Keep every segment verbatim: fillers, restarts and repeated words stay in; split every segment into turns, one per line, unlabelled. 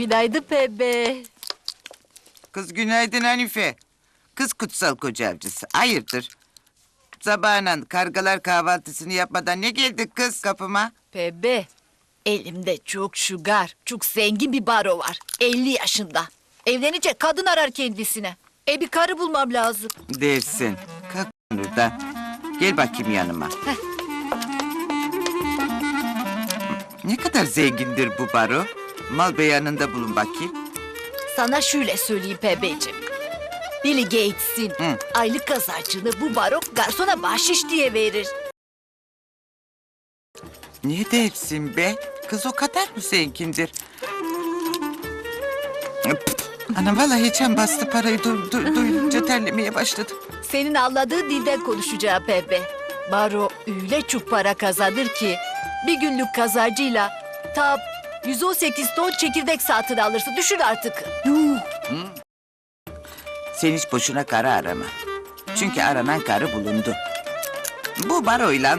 Günaydın Pembe.
Kız günaydın Hanife. Kız kutsal koca avcısı. Hayırdır? Sabahına kargalar kahvaltısını yapmadan ne geldik kız kapıma?
Pembe, elimde çok şugar, çok zengin bir baro var. elli yaşında. Evlenecek kadın arar kendisine. E bir karı bulmam lazım.
Dersin. Kalk buradan. Gel bakayım yanıma.
Heh.
Ne kadar zengindir bu baro? Mal beyanında bulun bakayım.
Sana şöyle söyleyeyim Pembeciğim. Billy Gates'in
Hı.
aylık kazancını bu baro garsona bahşiş diye verir.
Ne dersin be? Kız o kadar mı zengindir? Ana vallahi içen bastı parayı du- du- duyunca terlemeye başladım.
Senin anladığın dilden konuşacağım Pembe. Baro öyle çok para kazanır ki bir günlük kazancıyla tam yüz on sekiz ton çekirdek satın alırsın. Düşün artık. Yuh.
Sen hiç boşuna karı arama. Çünkü aranan karı bulundu. Bu baroyla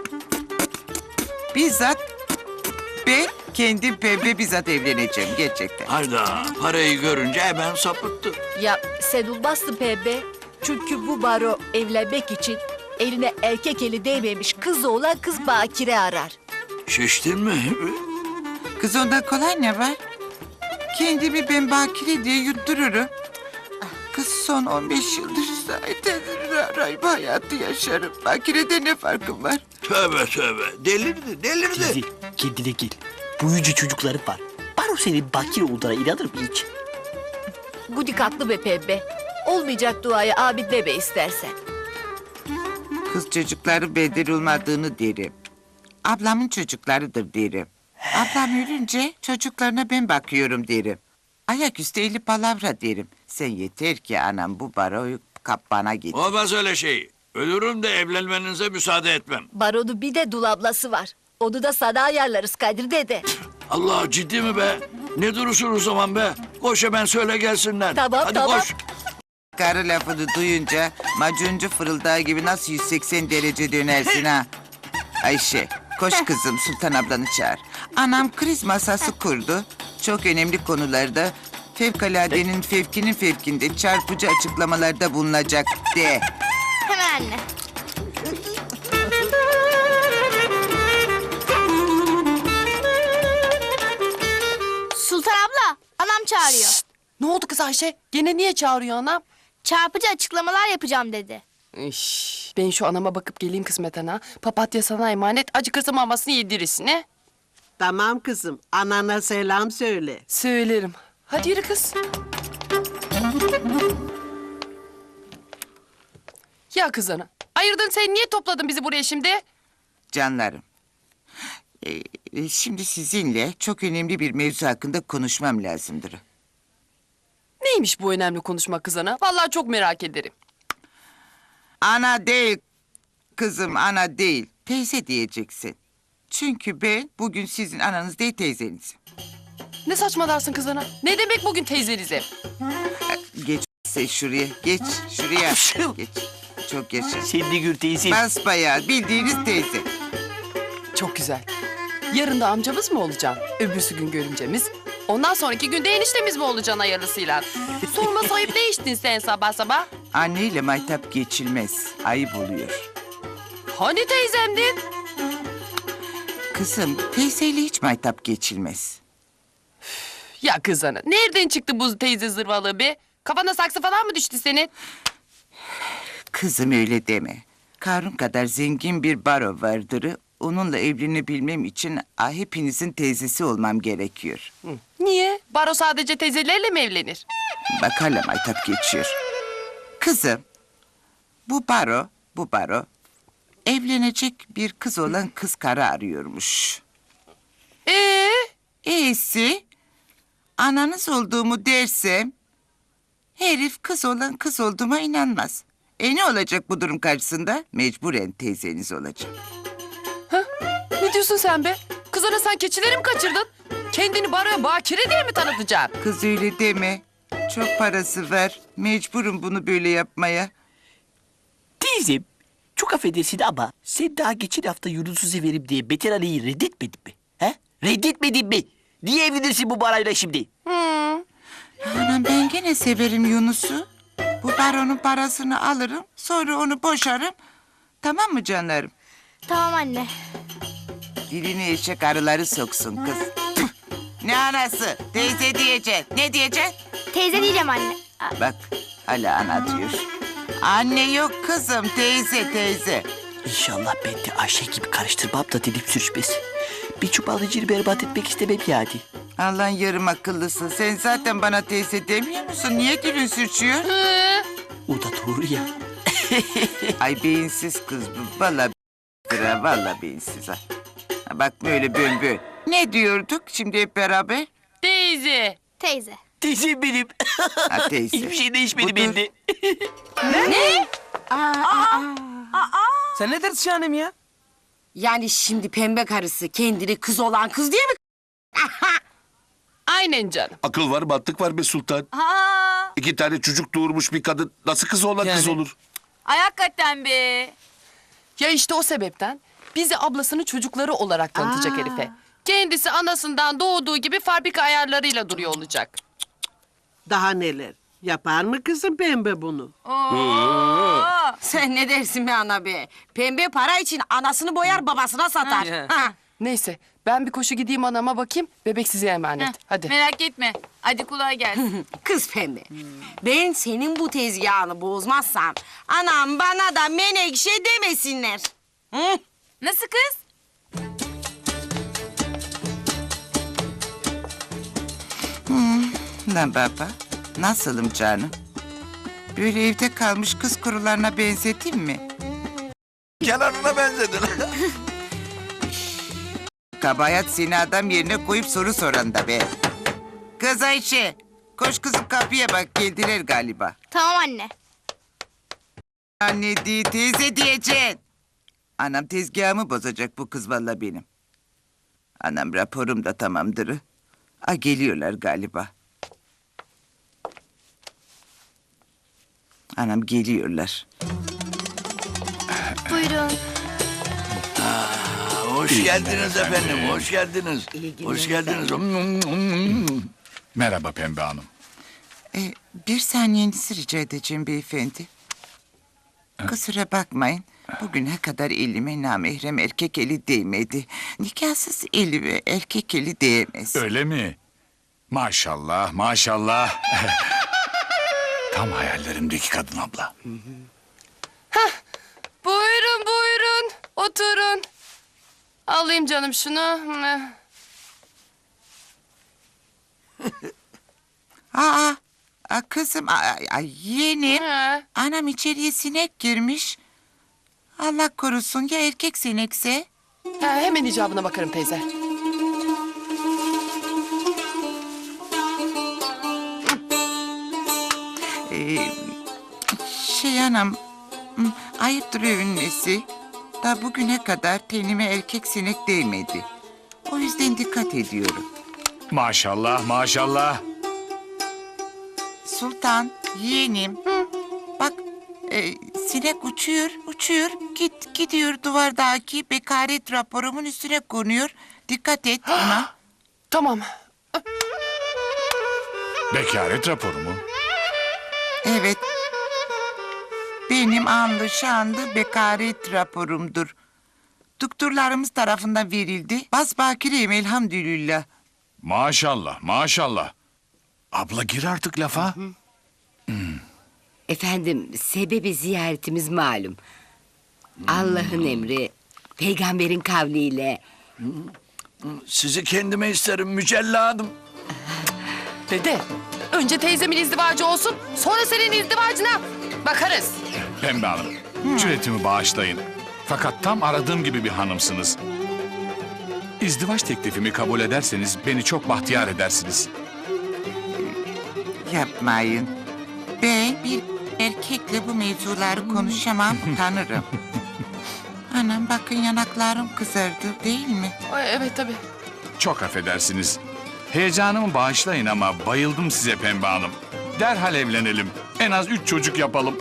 bizzat ben kendim Pembe bizzat evleneceğim gerçekten.
Hayda, parayı görünce hemen sapıttı.
Ya sen olmazsın Pembe. Çünkü bu baro evlenmek için eline erkek eli değmemiş kızı olan kız bakire arar.
Şiştin mi?
Kız ondan kolay ne var? Kendimi ben bakire diye yuttururum. Kız son on beş yıldır zaten rahip hayatı yaşarım. Bakirede ne farkım var?
Tövbe tövbe, delirdi, delirdi.
Teyze kendine gel. Büyücü çocukları var. Baro senin bakire olduğuna inanır mı hiç?
Gudik haklı be Pembe. Olmayacak duayı abid deme istersen.
Kız çocukları bedel olmadığını derim. Ablamın çocuklarıdır derim. Ablam ölünce çocuklarına ben bakıyorum derim. Ayaküstü eli palavra derim. Sen yeter ki anam bu baroyu kap bana git.
Olmaz öyle şey. Ölürüm de evlenmenize müsaade etmem.
Baronun bir de dul ablası var. Onu da sana ayarlarız Kadir dede.
Allah, ciddi mi be? Ne durursun o zaman be? Koş hemen söyle gelsinler.
Tamam,
Hadi
tamam.
koş.
Karı lafını duyunca macuncu fırıldağı gibi nasıl yüz seksen derece dönersin ha? Ayşe, koş kızım Sultan ablanı çağır. Anam kriz masası kurdu. Çok önemli konularda fevkaladenin fevkinin fevkinde çarpıcı açıklamalarda bulunacak de.
Hemen anne. Sultan abla, anam çağırıyor.
Ne oldu kız Ayşe? Gene niye çağırıyor anam?
Çarpıcı açıklamalar yapacağım dedi.
İş, ben şu anama bakıp geleyim kısmet ana. Papatya sana emanet, acıkırsa mamasını yedirirsin he?
Tamam kızım. Anana selam söyle.
Söylerim. Hadi yürü kız. Ya kız ana, ayırdın sen niye topladın bizi buraya şimdi?
Canlarım. Ee, e, şimdi sizinle çok önemli bir mevzu hakkında konuşmam lazımdır.
Neymiş bu önemli konuşma kız ana? Vallahi çok merak ederim.
Ana değil kızım, ana değil. Teyze diyeceksin. Çünkü ben bugün sizin ananız değil teyzenizim.
Ne saçmalarsın kız ana? Ne demek bugün teyzenize?
Geç sen şuraya, geç şuraya. Geç. Çok yaşa.
Sen de gör teyze.
Basbayağı bildiğiniz teyze.
Çok güzel. Yarın da amcamız mı olacaksın? Öbürsü gün görümcemiz. Ondan sonraki günde eniştemiz mi olacaksın hayırlısıyla? Sorma sayıp ne içtin sen sabah sabah?
Anneyle maytap geçilmez. Ayıp oluyor.
Hani teyzemdin?
Kızım teyzeyle hiç maytap geçilmez.
Ya kız ana, nereden çıktı bu teyze zırvalığı be? Kafana saksı falan mı düştü senin?
Kızım öyle deme. Karun kadar zengin bir baro vardır. Onunla evlenebilmem için ah, hepinizin teyzesi olmam gerekiyor.
Niye? Baro sadece teyzelerle mi evlenir?
Bak hala maytap geçiyor. Kızım, bu baro, bu baro evlenecek bir kız olan kız karı arıyormuş.
Ee?
E'si ananız olduğumu dersem herif kız olan kız olduğuma inanmaz. E ne olacak bu durum karşısında? Mecburen teyzeniz olacak.
Ne diyorsun sen be? Kız ana sen keçileri mi kaçırdın? Kendini baroya bakire diye mi tanıtacaksın?
Kız öyle deme. Çok parası var. Mecburum bunu böyle yapmaya.
Teyzem çok affedersin ama sen daha geçen hafta Yunus'u severim diye Beter Ali'yi reddetmedin mi? He? Reddetmedin mi? Niye evlenirsin bu parayla şimdi?
Hmm,
gene severim Yunus'u. Bu baronun parasını alırım, sonra onu boşarım. Tamam mı canlarım?
Tamam anne.
Dilini eşek arıları soksun kız. Tüh! Ne anası? Teyze diyeceksin. Ne diyeceksin?
Teyze diyeceğim anne. Aa,
Bak hala ana diyor. Anne yok kızım, teyze teyze.
İnşallah ben de Ayşe gibi karıştırmam da dilim sürçmez. Bir çuvalcını berbat etmek istemem yani.
Allah'ın yarım akıllısın. Sen zaten bana teyze demiyor musun? Niye dilin sürçüyor?
O da doğru ya.
Ay beyinsiz kız bu. Vallahi b***dır, vallahi beyinsiz ha. Ha, bak böyle bön Ne diyorduk şimdi hep beraber?
Teyze.
Teyze.
Teyzem benim.
Ha teyze.
Hiçbir şey değişmedi
Budur.
bende.
Sen ne dersin hanım ya?
Yani şimdi pembe karısı kendini kız olan kız diye mi?
Aynen canım.
Akıl var, mantık var be sultan. İki tane çocuk doğurmuş bir kadın nasıl kız olan kız
Yani.
olur?
Ay hakikaten be.
Ya işte o sebepten bizi ablasının çocukları olarak tanıtacak herife. Kendisi anasından doğduğu gibi fabrika ayarlarıyla duruyor olacak.
Daha neler? Yapar mı kızım pembe bunu?
Sen ne dersin be ana be? Pembe para için anasını boyar babasına satar. Ha.
Neyse ben bir koşu gideyim anama bakayım. Bebek size emanet. Hadi.
Merak etme. Hadi kolay gelsin.
Kız pembe. Ben senin bu tezgahını bozmazsam anam bana da menekşe demesinler. Hı?
Nasıl kız?
Lan baba, nasılım canım? Böyle evde kalmış kız kurularına benzeteyim mi?
Kenarına benzedin.
Kabahat seni adam yerine koyup soru soran da be. Kız Ayşe, koş kızım kapıya bak geldiler galiba.
Tamam anne.
Anne değil teyze diyeceksin. Anam tezgahımı bozacak bu kız valla benim. Anam raporum da tamamdır. A geliyorlar galiba. Anam geliyorlar.
Buyurun.
Hoş geldiniz efendim, hoş geldiniz. Hoş geldiniz.
Merhaba Pembe Hanım.
Ee, bir saniyenizi rica edeceğim beyefendi. Kusura bakmayın. Bugüne kadar elime namahrem erkek eli değmedi. Nikahsız elime erkek eli değmez.
Öyle mi? Maşallah, maşallah. Tam hayallerimdeki kadın abla.
Buyurun buyurun. Oturun. Alayım canım şunu.
Aa, aa kızım, ay, ay, yeğenim.
Ha.
Anam içeriye sinek girmiş. Allah korusun ya erkek sinekse?
Ha, hemen icabına bakarım teyze.
Ee, şey anam, hmm, ayıptır övünmesi. Daha bugüne kadar tenime erkek sinek değmedi. O yüzden dikkat ediyorum.
Maşallah, maşallah.
Sultan, yeğenim. Bak, e, sinek uçuyor, uçuyor. Git, gidiyor duvardaki bekaret raporumun üstüne konuyor. Dikkat et ona.
Tamam.
Bekaret raporu mu?
Evet. Benim anlı şanlı bekaret raporumdur. Doktorlarımız tarafından verildi. Basbakireyim elhamdülillah.
Maşallah, maşallah. Abla gir artık lafa.
Efendim sebebi ziyaretimiz malum. Allah'ın emri, peygamberin kavliyle.
Sizi kendime isterim mücelladım.
Dede önce teyzemin izdivacı olsun. Sonra senin izdivacına bakarız.
Pembe Hanım, cüretimi bağışlayın. Fakat tam aradığım gibi bir hanımsınız. İzdivaç teklifimi kabul ederseniz beni çok bahtiyar edersiniz.
Yapmayın. Ben bir erkekle bu mevzuları konuşamam, tanırım. Anam bakın yanaklarım kızardı değil mi?
Ay, evet tabii.
Çok affedersiniz. Heyecanımı bağışlayın ama bayıldım size Pembe Hanım. Derhal evlenelim. En az üç çocuk yapalım.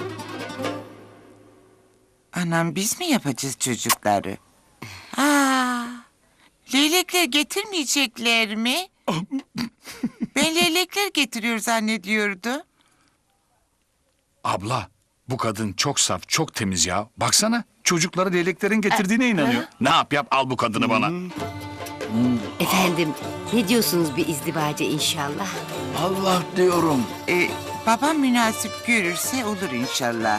Anam biz mi yapacağız çocukları? Aa, leylekler getirmeyecekler mi? Ben leylekler getiriyor zannediyordu.
Abla, bu kadın çok saf, çok temiz ya. Baksana, çocukları leyleklerin getirdiğine inanıyor. Ne yap yap, al bu kadını bana.
Efendim, ne diyorsunuz bir izdivaca inşallah?
Allah diyorum.
Ee, babam münasip görürse olur inşallah.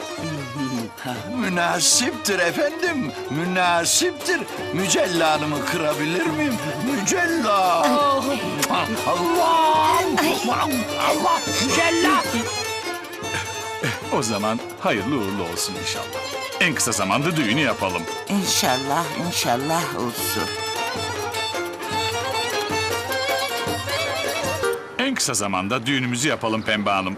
Münasiptir efendim. Münasiptir. Mücella Hanım'ı kırabilir miyim? Mücella. Allah. Allah. Mücella.
O zaman hayırlı uğurlu olsun inşallah. En kısa zamanda düğünü yapalım.
İnşallah, inşallah olsun.
En kısa zamanda düğünümüzü yapalım Pembe Hanım.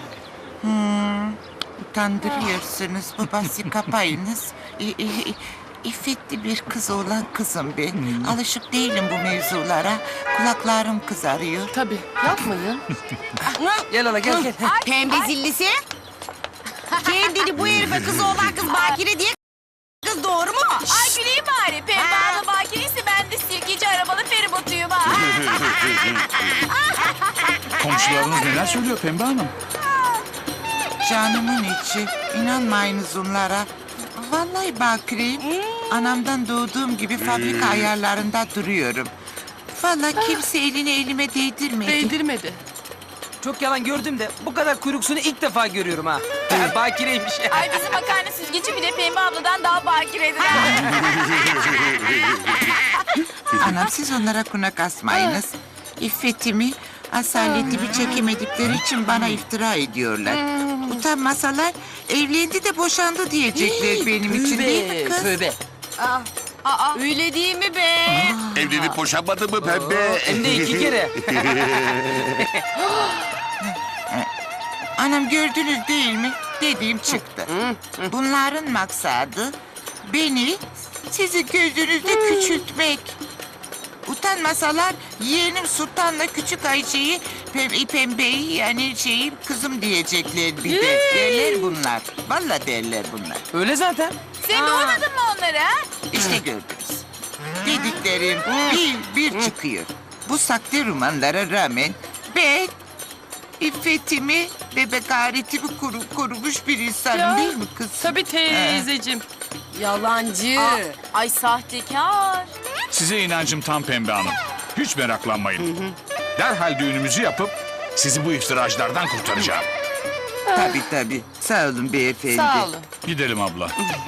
Utandırıyorsunuz babası kapayınız. E, e, e, İffetli bir kız olan kızım ben. Alışık değilim bu mevzulara. Kulaklarım kızarıyor.
Tabii yapmayın.
Gel hala gel gel.
Pembe zillisi. Kendini bu herife kız olan kız bakire diye kız doğru mu?
Ay güleyim bari. Pembe
Ha.
Hanım bakireyse ben de sirkeci arabalı feribotuyum ha.
Komşularınız neler söylüyor Pembe Hanım?
Canımın içi. İnanmayınız onlara. Vallahi bakireyim. Anamdan doğduğum gibi fabrika ayarlarında duruyorum. Vallahi kimse elini elime değdirmedi.
Değdirmedi.
Çok yalan gördüm de bu kadar kuyruksunu ilk defa görüyorum ha. Bakireymiş.
Ay bizim makarna süzgeci bile Pembe abladan daha bakiredir ha.
Anam siz onlara kunak asmayınız. İffetimi, asaletimi çekemedikleri için bana iftira ediyorlar. Utanmasalar evlendi de boşandı diyecekler benim için değil mi kız?
Tövbe.
Aa, öyle değil mi be?
Evlenip boşanmadı mı pembe?
Hem de iki kere.
Anam gördünüz değil mi? Dediğim çıktı. Bunların maksadı beni sizi gözünüzde küçültmek. Utanmasalar yeğenim Sultan'la küçük Ayşe'yi pem pembeyi yani şeyi kızım diyecekler bir de. Derler bunlar. Vallahi derler bunlar.
Öyle zaten.
Sen duymadın mı onları ha?
İşte gördünüz. Dediklerim bir bir çıkıyor. Bu saklı romanlara rağmen ben iffetimi ve bekaretimi koru, korumuş bir insanım
Ya,
değil mi kız?
Tabii teyzeciğim.
Yalancı. Ay sahtekar.
Size inancım tam Pembe Hanım. Hiç meraklanmayın. Derhal düğünümüzü yapıp sizi bu iftiracılardan kurtaracağım.
Tabii tabii. Sağ olun beyefendi.
Sağ olun.
Gidelim abla.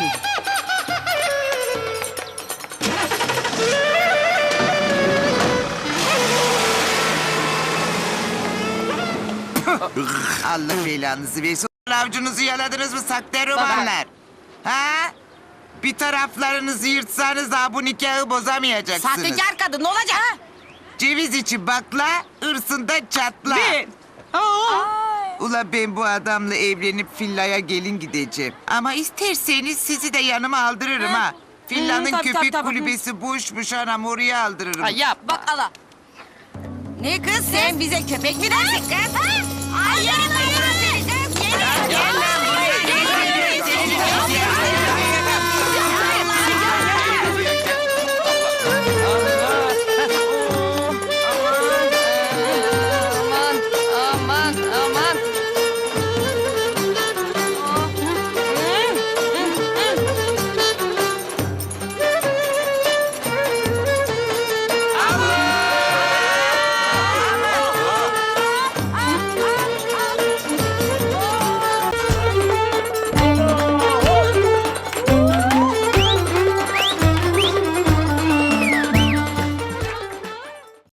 Allah belanızı versin. Avcunuzu yaladınız mı saklı romanlar? Ha? Bir taraflarınızı yırtsanız daha bu nikahı bozamayacaksınız.
Sahtekar kadın ne olacak?
Ceviz içi bakla, hırsında çatla.
Ben.
Ula ben bu adamla evlenip villaya gelin gideceğim. Ama isterseniz sizi de yanıma aldırırım ha. Villanın
tabii,
köpek
tabii, tabii.
kulübesi boşmuş anam oraya aldırırım.
Ay yap.
Bak ala.
Ne kız sen bize köpek mi dersin kız? Ay yürü yürü. Gel lan